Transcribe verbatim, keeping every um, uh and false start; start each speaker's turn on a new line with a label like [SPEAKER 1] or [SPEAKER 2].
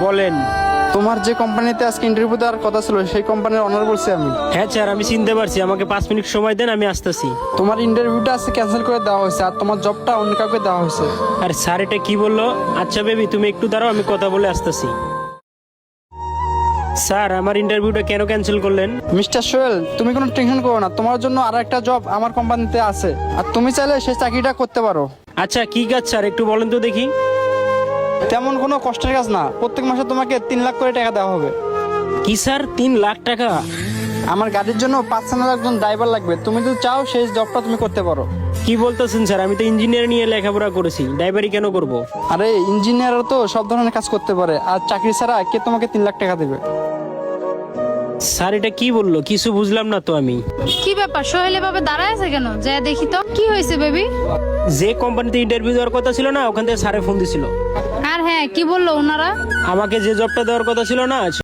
[SPEAKER 1] বলেন।
[SPEAKER 2] তোমার যে কোম্পানিতে আজকে ইন্টারভিউ দেওয়ার কথা ছিল সেই কোম্পানির অনার বলছি আমি।
[SPEAKER 1] হ্যাঁ স্যার, আমি চিনতে পারছি। আমাকে পাঁচ মিনিট সময় দেন, আমি আসতেছি।
[SPEAKER 2] তোমার ইন্টারভিউটা আজকে ক্যান্সেল করে দেওয়া হয়েছে আর তোমার জবটা অন্য কাউকে দেওয়া হয়েছে।
[SPEAKER 1] আর স্যার এটা কি বললো? আচ্ছা বেবি, তুমি একটু দাঁড়াও, আমি কথা বলে আসতেছি। স্যার, আমার ইন্টারভিউটা কেন ক্যান্সেল করলেন?
[SPEAKER 2] মিস্টার সোহেল, তুমি কোনো টেনশন করো না, তোমার জন্য আর একটা জব আমার কোম্পানিতে আছে আর তুমি চাইলে সেই চাকরিটা করতে পারো।
[SPEAKER 1] আচ্ছা কি কাজ স্যার, একটু বলেন তো দেখি।
[SPEAKER 2] তেমন কোনো কষ্টের কাজ না, প্রত্যেক মাসে তোমাকে তিন লাখ করে টাকা দেওয়া হবে।
[SPEAKER 1] কি স্যার, তিন লাখ টাকা?
[SPEAKER 2] আমার গাড়ির জন্য পার্সোনাল একজন ড্রাইভার লাগবে, তুমি যদি চাও সেই জবটা তুমি করতে পারো।
[SPEAKER 1] কি বলতেছেন স্যার? আমি তো ইঞ্জিনিয়ার নিয়ে লেখাপড়া করেছি, ড্রাইভারি কেন করব?
[SPEAKER 2] আরে ইঞ্জিনিয়াররা তো সব ধরনের কাজ করতে পারে, আর চাকরি ছাড়া কে তোমাকে তিন লাখ টাকা দেবে?
[SPEAKER 1] স্যার এটা কি বললো? কিছু বুঝলাম না তো আমি।
[SPEAKER 3] কি ব্যাপার, সোহেল এভাবে দাঁড়ায় আছে কেন? যা দেখি তো কি হয়েছে বেবি।
[SPEAKER 1] যে কোম্পানিতে ইন্টারভিউ দেওয়ার কথা ছিল না, ওখান থেকে স্যারে ফোন দিছিল।
[SPEAKER 3] আর হ্যাঁ, কি বললো ওনারা?
[SPEAKER 1] আমাকে যে জবটা দেওয়ার কথা ছিল না